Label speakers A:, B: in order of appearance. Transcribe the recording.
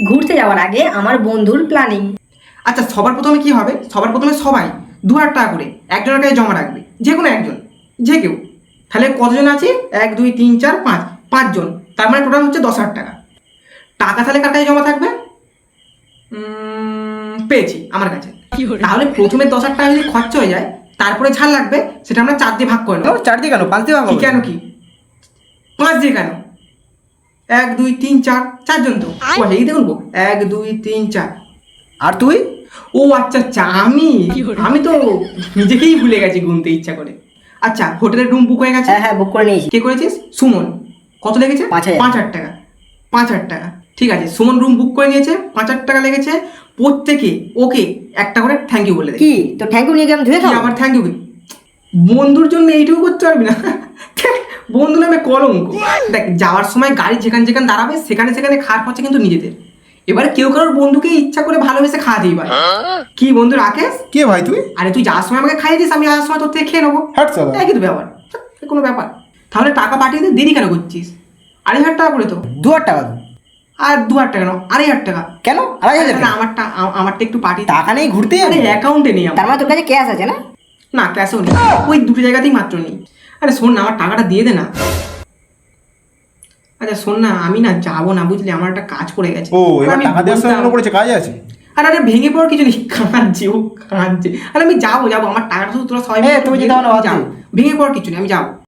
A: ঘুরতে যাওয়ার আগে আমার বন্ধুর প্ল্যানিং।
B: আচ্ছা, সবার প্রথমে কি হবে? সবার প্রথমে সবাই 2,000 টাকা করে একজনের কাছে জমা রাখবে, যে কোনো একজন, যে কেউ। তাহলে কতজন আছে? 1 2 3 4 5, 5জন। তার মানে টোটাল হচ্ছে 10,000 টাকা। টাকা তাহলে কার কাছে জমা থাকবে? পেয়েছি, আমার কাছে। তাহলে প্রথমে 10,000 টাকা যদি খরচা হয়ে যায়, তারপরে ঝাল লাগবে, সেটা আমরা 4 দিয়ে ভাগ করে নেবো।
C: 4 দিয়ে কেন 5 দিয়ে ভাগ হবে?
B: কেন কি 5 দিয়ে কেন? 1 2 3 4, 4জন তো। এই দেখুন 1 2 3 4।
C: আর তুই?
B: ও আচ্ছা আচ্ছা, আমি তো নিজেকেই ভুলে গেছি গুনতে ইচ্ছা করে। আচ্ছা, হোটেলের রুম বুক হয়ে গেছে?
A: হ্যাঁ বুক করে নিয়েছি।
B: কে করেছিস? সুমন। কত লেগেছে?
A: 5,000
B: 5,000 টাকা। 5,000 টাকা, ঠিক আছে। সুমন রুম বুক করে নিয়েছে, 5,000 টাকা লেগেছে। প্রত্যেকে ওকে একটা করে থ্যাংক ইউ বলে দে।
A: কি তো থ্যাংক ইউ নিয়ে গিয়ে আমি ধুয়ে
B: কি
A: খাবো?
B: আমার থ্যাংক ইউ? বন্ধুর জন্য এইটুকু করতে পারবি না? বন্ধু নামে কলঙ্ক। দেখ, যাওয়ার সময় গাড়ি যেখানে যেখানে দাঁড়াবে সেখানে সেখানে খাওয়ার খরচা কিন্তু নিজেদের। এবার কেউ কারোর বন্ধুকে ইচ্ছা করে ভালোবেসে খাওয়াতেই পারে। কি বন্ধু রাকেশ?
C: কে ভাই তুই?
B: আরে তুই যাওয়ার সময় আমাকে খাইয়ে দিস, আমি যাওয়ার সময় তোর থেকে খেয়ে নেবো।
C: হাট সালা।
B: একই তো ব্যাপার, কোনো ব্যাপার। তাহলে টাকা পাঠিয়ে দে, দেরি কেন করছিস? 2,500 টাকা করে তো।
C: 2,000 টাকা তো।
B: আর 2,000 টাকা নাও, 2,500 টাকা।
C: কেন 2,500 টাকা?
B: আমারটা একটু পাঠিয়ে।
C: টাকা নেই ঘুরতে
B: আরে
C: যাবে?
B: অ্যাকাউন্টে নেই আমার।
A: তার মানে তোর কাছে ক্যাশ আছে না?
B: না, ক্যাশও নেই, ওই দুটো জায়গাতেই মাত্র নেই। আরে শোন না, আমার টাকাটা দিয়ে দে না। আচ্ছা শোন না, আমি না যাবো না, বুঝলি, আমার একটা কাজ পড়ে গেছে।
C: ও এবার
B: আমি
C: টাকা দেওয়ার সময়
B: বলতাম-
C: মনে পড়েছে কাজ আছে।
B: আরে ভেঙে পড়ার কিছু নেই, কাঁদছে, ও কাঁদছে। আরে আমি যাবো, আমার টাকাটা শুধু তোরা সবাই মিলে
C: তুমি যেতে হবে না,
B: যাও। ভেঙে পড়ার কিছু নেই, আমি যাবো।